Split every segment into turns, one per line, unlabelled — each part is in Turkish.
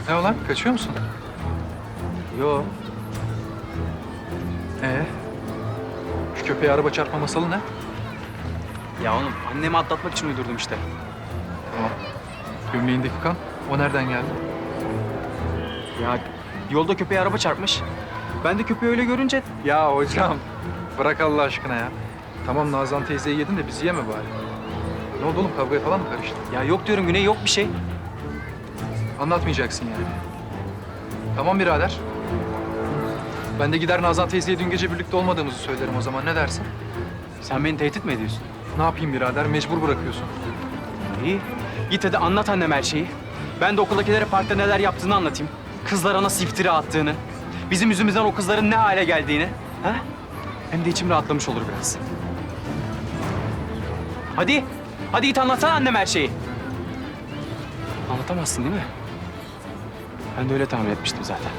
Ne olan? Kaçıyor musun?
Yo.
Şu köpeğe araba çarpma masalı ne?
Ya oğlum annemi atlatmak için uydurdum işte.
Tamam. Gömleğindeki kan, o nereden geldi?
Ya yolda köpeğe araba çarpmış. Ben de köpeği öyle görünce...
Ya hocam, bırak Allah aşkına ya. Tamam Nazan teyzeyi yedin de bizi yeme bari. Ne oldu oğlum, kavgaya falan mı karıştın?
Ya yok diyorum Güney, yok bir şey.
Anlatmayacaksın yani. Tamam birader. Ben de gider Nazan teyzeye dün gece birlikte olmadığımızı söylerim o zaman. Ne dersin?
Sen beni tehdit mi ediyorsun?
Ne yapayım birader? Mecbur bırakıyorsun.
İyi. Git hadi anlat anneme her şeyi. Ben de okuldakilere parkta neler yaptığını anlatayım. Kızlara nasıl iftira attığını. Bizim yüzümüzden o kızların ne hale geldiğini. Ha? Hem de içim rahatlamış olur biraz. Hadi. Hadi git anlatsana anneme her şeyi. Anlatamazsın değil mi? Ben de öyle tahmin etmiştim zaten.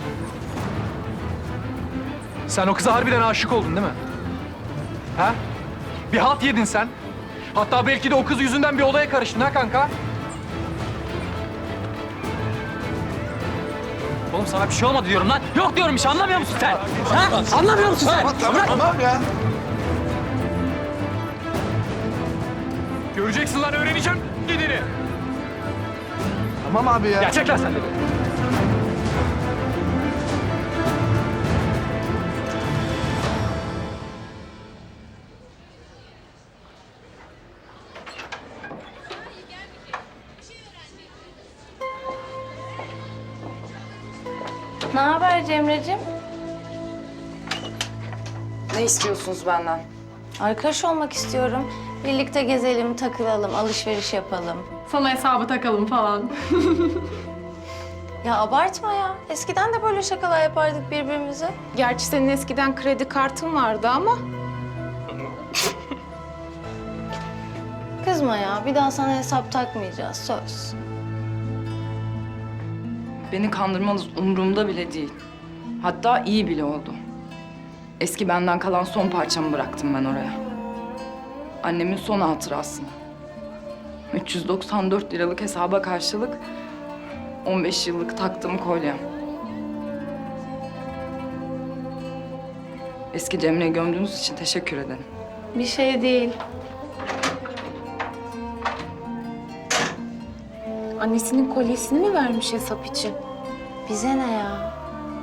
Sen o kıza harbiden aşık oldun değil mi? Ha? Bir halt yedin sen. Hatta belki de o kız yüzünden bir olaya karıştın ha kanka?
Oğlum sana bir şey olmadı diyorum lan. Yok diyorum bir şey, anlamıyor musun sen? Ha? Anlamıyor musun sen?
Tamam ya.
Göreceksin lan, öğreneceğim gidini.
Tamam abi ya.
Gerçek lan sen de.
Ne haber Cemre'cim?
Ne istiyorsunuz benden?
Arkadaş olmak istiyorum. Birlikte gezelim, takılalım, alışveriş yapalım.
Sana hesabı takalım falan.
Ya abartma ya. Eskiden de böyle şakalar yapardık birbirimize.
Gerçi senin eskiden kredi kartın vardı ama.
Kızma ya. Bir daha sana hesap takmayacağız. Söz.
Beni kandırmanız umurumda bile değil. Hatta iyi bile oldu. Eski benden kalan son parçamı bıraktım ben oraya. Annemin son hatırası. 394 liralık hesaba karşılık 15 yıllık taktığım kolyem. Eski Cemre'yi gömdüğünüz için teşekkür ederim.
Bir şey değil.
Annesinin kolyesini mi vermiş hesap için?
Bize ne ya?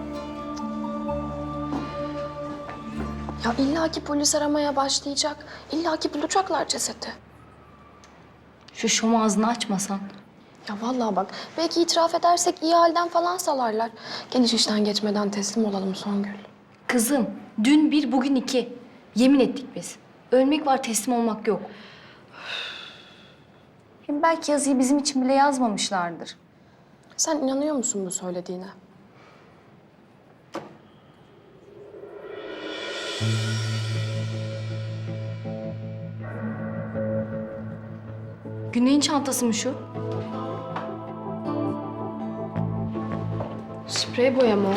Ya illaki polis aramaya başlayacak. İllaki bulacaklar cesedi.
Şu şom ağzını açmasan.
Ya vallahi bak, belki itiraf edersek iyi halden falan salarlar. Geniş işten geçmeden teslim olalım Songül.
Kızım, dün bir, bugün iki. Yemin ettik biz. Ölmek var, teslim olmak yok. Hem belki yazıyı bizim için bile yazmamışlardır.
Sen inanıyor musun bu söylediğine?
Güney'in çantası mı şu?
Sprey boya mı o?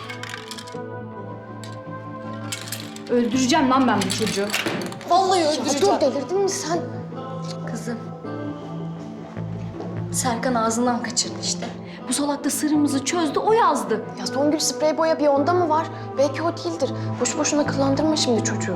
Öldüreceğim lan ben bu çocuğu.
Vallahi öldüreceğim. Dur, delirdin mi sen?
Kızım. Serkan ağzından kaçırdı işte. Bu salak da sırrımızı çözdü, o yazdı.
Ya Songül, sprey boya bir onda mı var? Belki o değildir. Boşu boşuna kıllandırma şimdi çocuğu.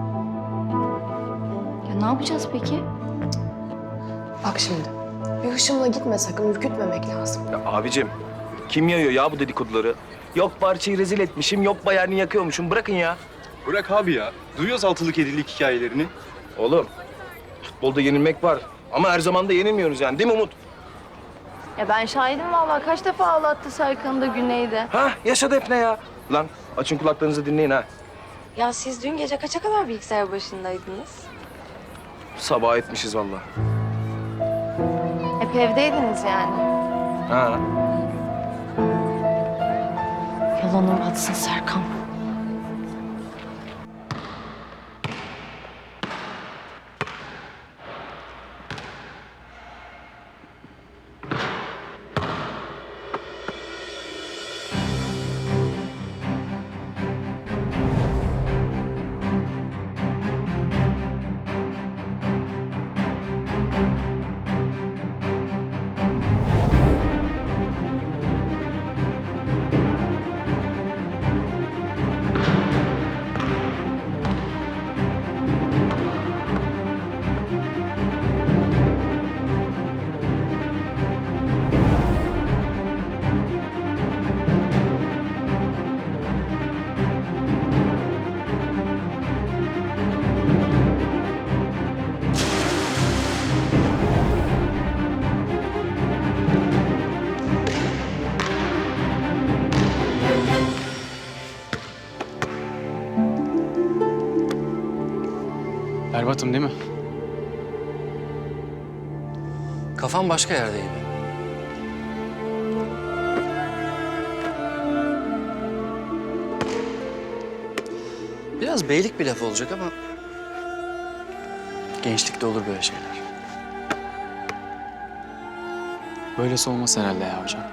Ya ne yapacağız peki?
Bak şimdi, bir hışımla gitme sakın, ürkütmemek lazım.
Ya abicim, kim yayıyor ya bu dedikoduları? Yok parçayı rezil etmişim, yok bayağı yakıyormuşum. Bırakın ya.
Bırak abi ya. Duyuyoruz altılık yedilik hikayelerini.
Oğlum, futbolda yenilmek var. Ama her zaman da yenilmiyoruz yani, değil mi Umut?
Ya ben şahidim vallahi. Kaç defa ağlattı Serkan'ı da Güney'de.
Ha, yaşadı hep ne ya? Lan açın kulaklarınızı dinleyin ha.
Ya siz dün gece kaça kadar bilgisayar başındaydınız?
Sabah etmişiz vallahi.
Hep evdeydiniz yani.
Ha.
Yalanı batsın Serkan.
Berbatım değil mi?
Kafam başka yerdeydi. Biraz beylik bir laf olacak ama gençlikte olur böyle şeyler.
Böylesi olmaz herhalde ya hocam.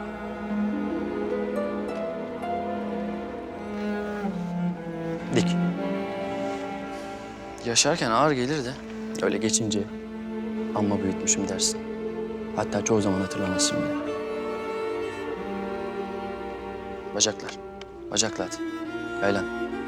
Dik. Yaşarken ağır gelir de öyle geçince amma büyütmüşüm dersin. Hatta çoğu zaman hatırlamazsın bile. Bacaklar. Bacakla at. Yaylan.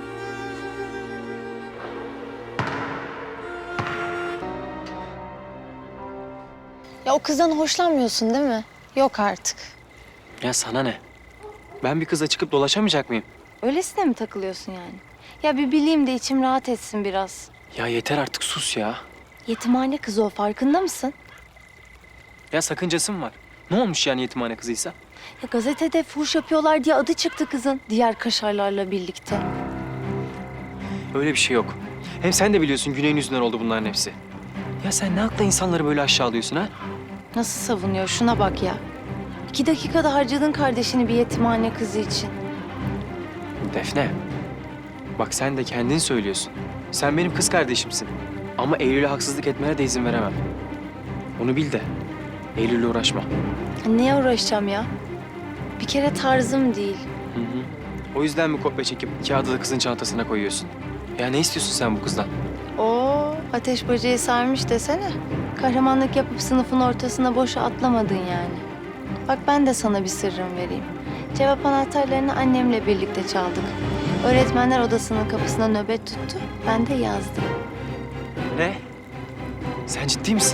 Ya o kızdan hoşlanmıyorsun değil mi? Yok artık.
Ya sana ne? Ben bir kızla çıkıp dolaşamayacak mıyım?
Öylesine mi takılıyorsun yani? Ya bir bileyim de içim rahat etsin biraz.
Ya yeter artık, sus ya.
Yetimhane kızı o, farkında mısın?
Ya sakıncası mı var? Ne olmuş yani yetimhane kızıysa?
Ya gazetede fuhuş yapıyorlar diye adı çıktı kızın. Diğer kaşarlarla birlikte.
Öyle bir şey yok. Hem sen de biliyorsun Güney'in yüzünden oldu bunların hepsi. Ya sen ne hakla insanları böyle aşağılıyorsun ha?
Nasıl savunuyor? Şuna bak ya. 2 dakikada harcadın kardeşini bir yetimhane kızı için.
Defne, bak sen de kendin söylüyorsun. Sen benim kız kardeşimsin. Ama Eylül'e haksızlık etmene de izin veremem. Onu bil de Eylül'le uğraşma.
Neye uğraşacağım ya? Bir kere tarzım değil.
Hı hı. O yüzden mi kopya çekip kağıdı da kızın çantasına koyuyorsun? Ya ne istiyorsun sen bu kızdan?
Oo, ateş böceği sarmış desene. Kahramanlık yapıp sınıfın ortasına boşa atlamadın yani. Bak ben de sana bir sırrım vereyim. Cevap anahtarlarını annemle birlikte çaldık. Öğretmenler odasının kapısına nöbet tuttu. Ben de yazdım.
Ne? Sen ciddi misin?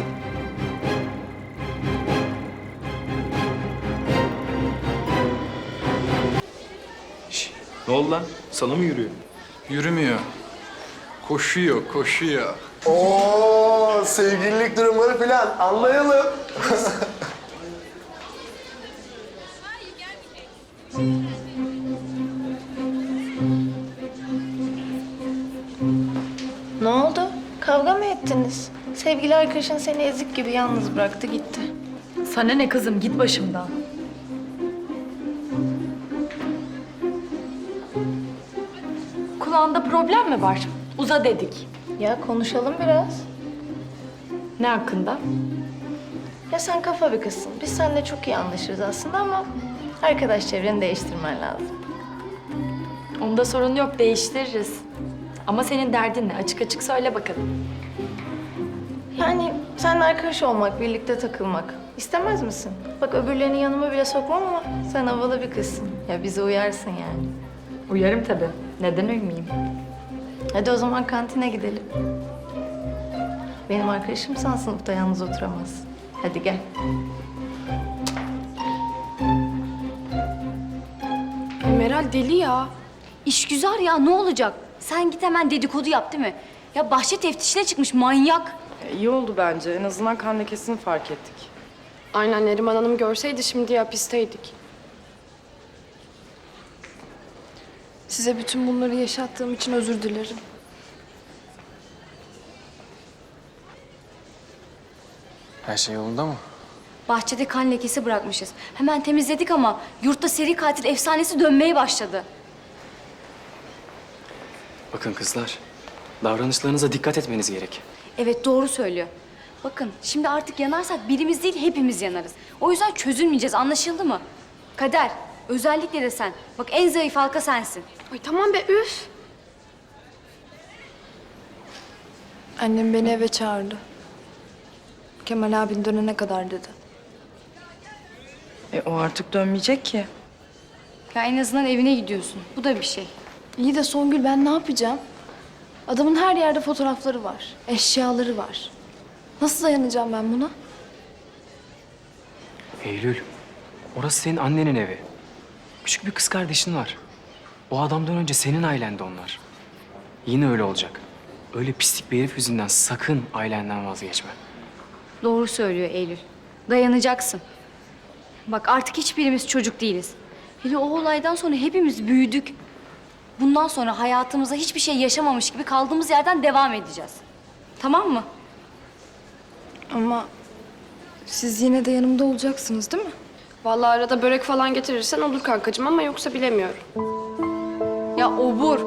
Ne oldu lan? Sana mı yürüyor?
Yürümüyor. Koşuyor, koşuyor.
Oo, sevgililik durumları falan anlayalım.
Ne oldu? Kavga mı ettiniz? Sevgili arkadaşın seni ezik gibi yalnız bıraktı gitti.
Sana ne kızım, git başımdan. Kulağında problem mi var? Uza dedik.
Ya konuşalım biraz.
Ne hakkında?
Ya sen kafa bir kızsın. Biz seninle çok iyi anlaşırız aslında ama arkadaş çevreni değiştirmen lazım.
Onda sorun yok, değiştiririz. Ama senin derdin ne? Açık açık söyle bakalım.
Yani seninle arkadaş olmak, birlikte takılmak istemez misin? Bak öbürlerini yanıma bile sokmam ama sen havalı bir kızsın. Ya bize uyarsın yani.
Uyarım tabii. Neden uymayayım?
Hadi o zaman kantine gidelim. Benim arkadaşımsan sınıfta yalnız oturamaz. Hadi gel.
Meral deli ya.
İşgüzar ya, ne olacak? Sen git hemen dedikodu yap değil mi? Ya bahçe teftişine çıkmış manyak.
İyi oldu bence. En azından kan lekesini fark ettik.
Aynen, Neriman Hanım görseydi şimdi hapisteydik. Size bütün bunları yaşattığım için özür dilerim.
Her şey yolunda mı?
Bahçede kan lekesi bırakmışız. Hemen temizledik ama yurtta seri katil efsanesi dönmeye başladı.
Bakın kızlar, davranışlarınıza dikkat etmeniz gerek.
Evet, doğru söylüyor. Bakın şimdi artık yanarsak birimiz değil hepimiz yanarız. O yüzden çözülmeyeceğiz, anlaşıldı mı? Kader, özellikle de sen. Bak en zayıf halka sensin.
Ay tamam be, üf. Annem beni eve çağırdı. Kemal abin dönene kadar dedi.
O artık dönmeyecek ki.
Ya en azından evine gidiyorsun. Bu da bir şey.
İyi de Songül, ben ne yapacağım? Adamın her yerde fotoğrafları var, eşyaları var. Nasıl dayanacağım ben buna?
Eylül, orası senin annenin evi. Küçük bir kız kardeşin var. O adamdan önce senin ailendi onlar. Yine öyle olacak. Öyle pislik bir herif yüzünden sakın ailenden vazgeçme.
Doğru söylüyor Eylül. Dayanacaksın. Bak artık hiçbirimiz çocuk değiliz. Hele o olaydan sonra hepimiz büyüdük. Bundan sonra hayatımızda hiçbir şey yaşamamış gibi kaldığımız yerden devam edeceğiz. Tamam mı?
Ama siz yine de yanımda olacaksınız değil mi?
Vallahi arada börek falan getirirsen olur kankacığım ama yoksa bilemiyorum.
Ya obur.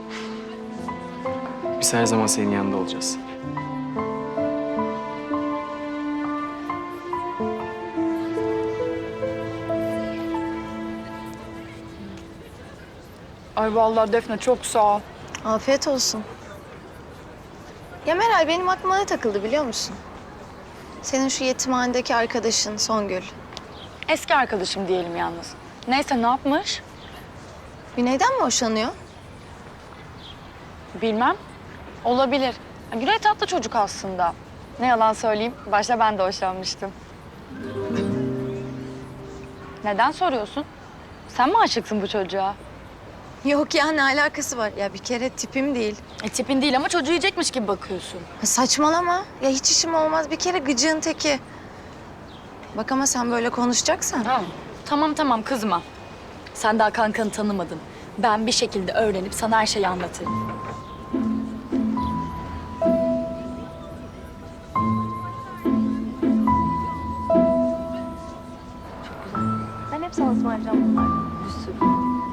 Biz her zaman senin yanında olacağız.
Ay vallahi Defne çok sağ ol.
Afiyet olsun. Ya Meral benim aklıma ne takıldı biliyor musun? Senin şu yetimhanedeki arkadaşın Songül.
Eski arkadaşım diyelim yalnız. Neyse ne yapmış?
Güney'den mi hoşlanıyor?
Bilmem. Olabilir. Güney tatlı çocuk aslında. Ne yalan söyleyeyim, başta ben de hoşlanmıştım. Neden soruyorsun? Sen mi aşıksın bu çocuğa?
Yok ya ne alakası var? Ya bir kere tipim değil.
Tipin değil ama çocuğu yiyecekmiş gibi bakıyorsun.
Ha, saçmalama. Ya hiç işim olmaz. Bir kere gıcığın teki. Bak ama sen böyle konuşacaksan.
Tamam kızma. Sen daha kankanı tanımadın. Ben bir şekilde öğrenip sana her şeyi anlatırım.
Ben hep sana ısmarlayacağım bunlardan. Bir sürü.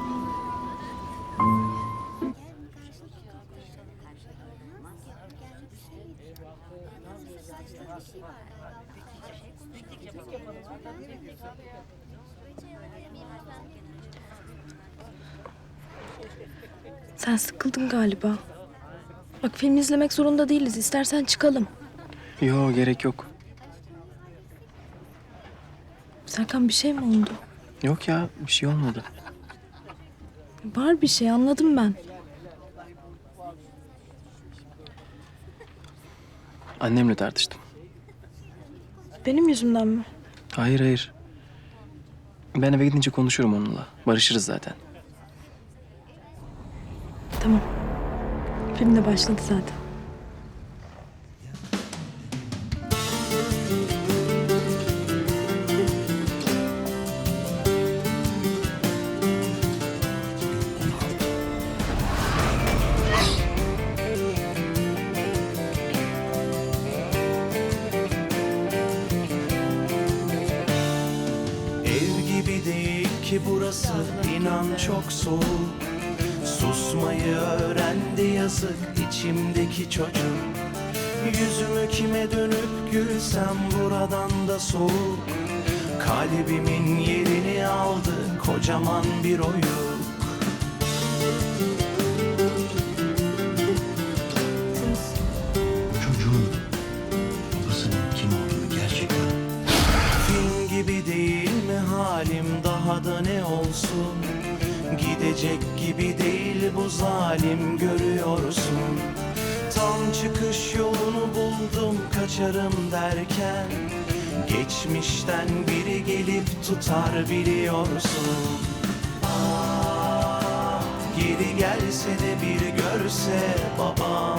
Sen sıkıldın galiba. Bak film izlemek zorunda değiliz. İstersen çıkalım.
Yo gerek yok.
Serkan bir şey mi oldu?
Yok ya bir şey olmadı.
Var bir şey anladım ben.
Annemle tartıştım.
Benim yüzümden mi?
Hayır hayır. Ben eve gidince konuşurum onunla. Barışırız zaten.
Tamam. Film de başladı zaten.
Ev gibi değil ki burası, inan çok soğuk. Susmayı öğrendi yazık içimdeki çocuk. Yüzümü kime dönüp gülsem buradan da soğuk. Kalbimin yerini aldı kocaman bir oyuk.
Çocuğun babasının kim olduğunu gerçekten...
Film gibi değil mi halim, daha da ne olsun? Gidecek gibi değil bu zalim, görüyorsun. Tam çıkış yolunu buldum kaçarım derken, geçmişten biri gelip tutar biliyorsun. Ah, geri gelse de bir görse babam.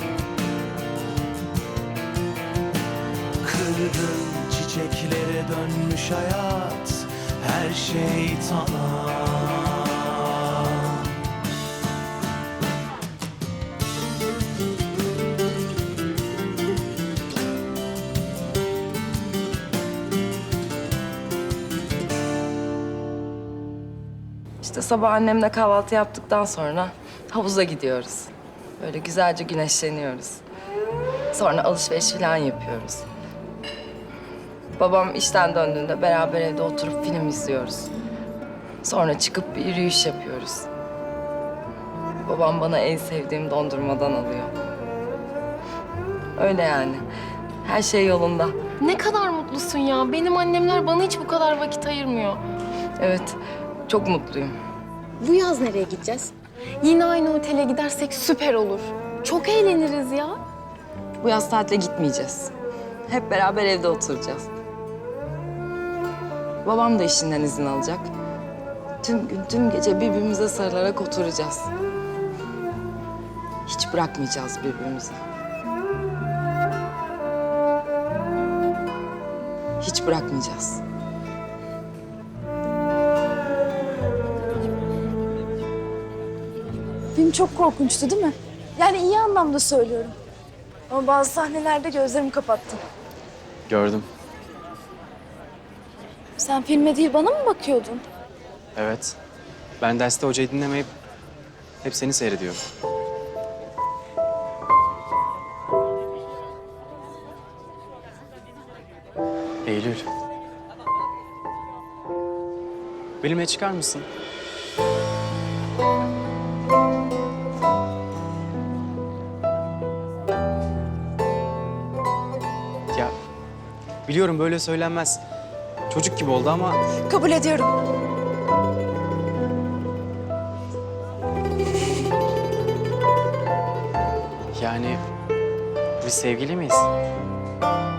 Kırgın çiçeklere dönmüş hayat, her şey tamam.
İşte sabah annemle kahvaltı yaptıktan sonra havuza gidiyoruz. Böyle güzelce güneşleniyoruz. Sonra alışveriş falan yapıyoruz. Babam işten döndüğünde beraber evde oturup film izliyoruz. Sonra çıkıp bir yürüyüş yapıyoruz. Babam bana en sevdiğim dondurmadan alıyor. Öyle yani. Her şey yolunda.
Ne kadar mutlusun ya. Benim annemler bana hiç bu kadar vakit ayırmıyor.
Evet, çok mutluyum.
Bu yaz nereye gideceğiz? Yine aynı otele gidersek süper olur. Çok eğleniriz ya.
Bu yaz tatile gitmeyeceğiz. Hep beraber evde oturacağız. Babam da işinden izin alacak. Tüm gün, tüm gece birbirimize sarılarak oturacağız. Hiç bırakmayacağız birbirimizi. Hiç bırakmayacağız.
Film çok korkunçtu değil mi? Yani iyi anlamda söylüyorum. Ama bazı sahnelerde gözlerimi kapattım.
Gördüm.
Sen filme değil bana mı bakıyordun?
Evet. Ben derste hocayı dinlemeyip hep seni seyrediyorum. Eylül. Benimle çıkar mısın? Ya biliyorum böyle söylenmez. Çocuk gibi oldu ama
Kabul ediyorum.
yani biz sevgili miyiz?